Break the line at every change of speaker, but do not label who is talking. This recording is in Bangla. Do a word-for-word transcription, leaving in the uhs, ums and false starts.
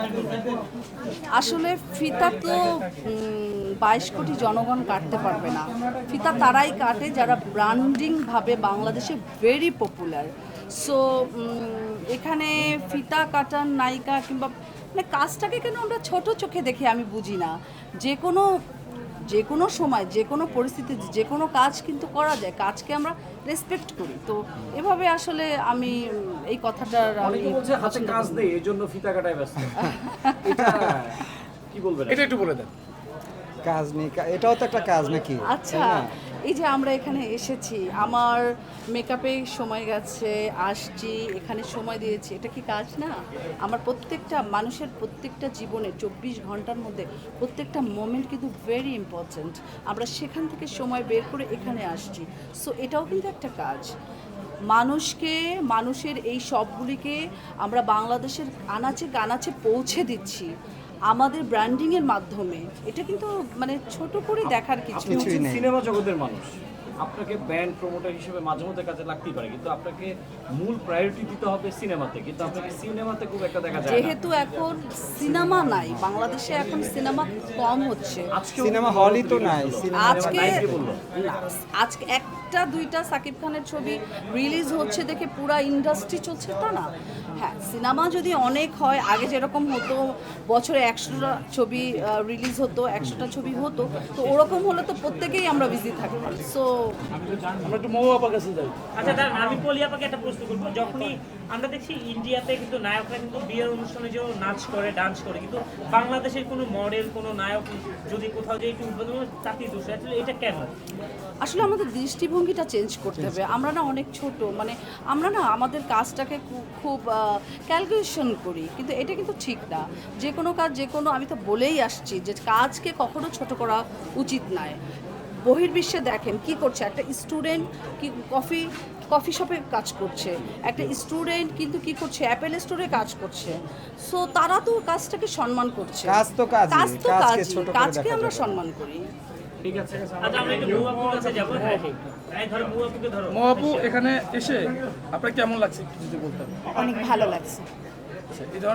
আসলে ফিতা তো বাইশ কোটি জনগণ কাটতে পারবে না। ফিতা তারাই কাটে যারা ব্র্যান্ডিংভাবে বাংলাদেশে ভেরি পপুলার। সো এখানে ফিতা কাটার নায়িকা কিংবা মানে কাজটাকে কেন আমরা ছোট চোখে দেখে আমি বুঝি না। যে কোনো যে কোনো সময় যে কোনো পরিস্থিতিতে যে কোনো কাজ কিন্তু করা যায়, কাজকে আমরা রেসপেক্ট করি। তো এভাবে আসলে আমি এই কথাটার
অনেকে বলছে হাতে কাজ নেই এই জন্য ফিতা কাটায় ব্যস্ত। এটা কি বলবেন?
এটা একটু বলে দেন।
কাজ নেই, কা- এটাও তো একটা কাজ নাকি?
আচ্ছা,
তাই না?
এই যে আমরা এখানে এসেছি, আমার মেকআপে সময় গেছে, আসছি, এখানে সময় দিয়েছি, এটা কি কাজ না? আমার প্রত্যেকটা মানুষের প্রত্যেকটা জীবনে চব্বিশ ঘন্টার মধ্যে প্রত্যেকটা মোমেন্ট কিন্তু ভেরি ইম্পর্ট্যান্ট। আমরা সেখান থেকে সময় বের করে এখানে আসছি। সো এটাও কিন্তু একটা কাজ। মানুষকে মানুষের এই সবগুলিকে আমরা বাংলাদেশের আনাচে কানাচে পৌঁছে দিচ্ছি আমাদের ব্র্যান্ডিংয়ের মাধ্যমে। এটা কিন্তু মানে ছোট করে দেখার কিছু
আপনি
না।
কিছুই
হচ্ছেন
নেই।
সিনেমা জগতের মানুষ, আপনাকে ব্যান্ড প্রমোটার হিসেবে মাঝে মধ্যে কাজে লাগতেই পারে, কিন্তু আপনাকে মূল প্রায়োরিটি দিতে হবে সিনেমাতে, কিন্তু আপনাকে সিনেমাতে খুব একটা দেখা যায় না।
যেহেতু এখন সিনেমা নাই বাংলাদেশে, এখন সিনেমা কম হচ্ছে।
আজকেও
সিনেমা
কিন্তু
হলই তো
বড়
নাই,
বড়
সিনেমা
আজকে
নাই কে বললো?
না, আজকে একটা দুইটা সাকিব খানের ছবি রিলিজ হচ্ছে দেখে পুরা ইন্ডাস্ট্রি চলছে তা না। হ্যাঁ, সিনেমা যদি অনেক হয়, আগে যেরকম হতো বছরে একশোটা ছবি রিলিজ হতো, একশোটা ছবি হতো, তো ওরকম হলে তো প্রত্যেকেই আমরা বিজি থাকতাম। সো
আমরা একটু মৌ আপার কাছে যাই।
আচ্ছা দাঁড়ান, আমি পলি আপাকে একটা প্রশ্ন করবো। যখনই আমরা দেখছি ইন্ডিয়াতে কিন্তু নায়করা কিন্তু বিয়ের অনুষ্ঠানে যে নাচ করে, ডান্স করে, কিন্তু বাংলাদেশের কোনো মডেল, কোনো নায়ক যদি কোথাও যে একটু উদ্বোধন করে তাতেই দোষ। আসলে এটা কেন?
আসলে আমাদের দৃষ্টিভঙ্গিটা চেঞ্জ করতে হবে। আমরা না অনেক ছোট, মানে আমরা না আমাদের কাজটাকে খু- খুব ক্যালকুলেশন করি, কিন্তু এটা কিন্তু ঠিক না। যে কোনো কাজ যে কোনো, আমি তো বলেই আসছি যে কাজকে কখনো ছোট করা উচিত নয়। বহির্বিশ্বে দেখেন কি করছে, একটা স্টুডেন্ট কি কফি কফি শপে কাজ করছে, একটা স্টুডেন্ট কিন্তু কি করছে, অ্যাপেল স্টোরে কাজ করছে। সো তারা তো কাজটাকে সম্মান করছে।
কাজ তো কাজই,
কাজ তো
কাজকে
কাজই,
ছোট করে
কাজকে
দেখা
আমরা
যাবে না।
সম্মান করি।
ঠিক আছে,
আচ্ছা আমরা একটু মৌ আপুর কাছে যাবো। হ্যাঁ, এই ধরো মৌ আপুকে ধরো।
মৌ আপু, এখানে এসে আপনার কেমন লাগছে একটু যদি বলতেন।
অনেক ভালো লাগছে।
আচ্ছা, এই ধরনের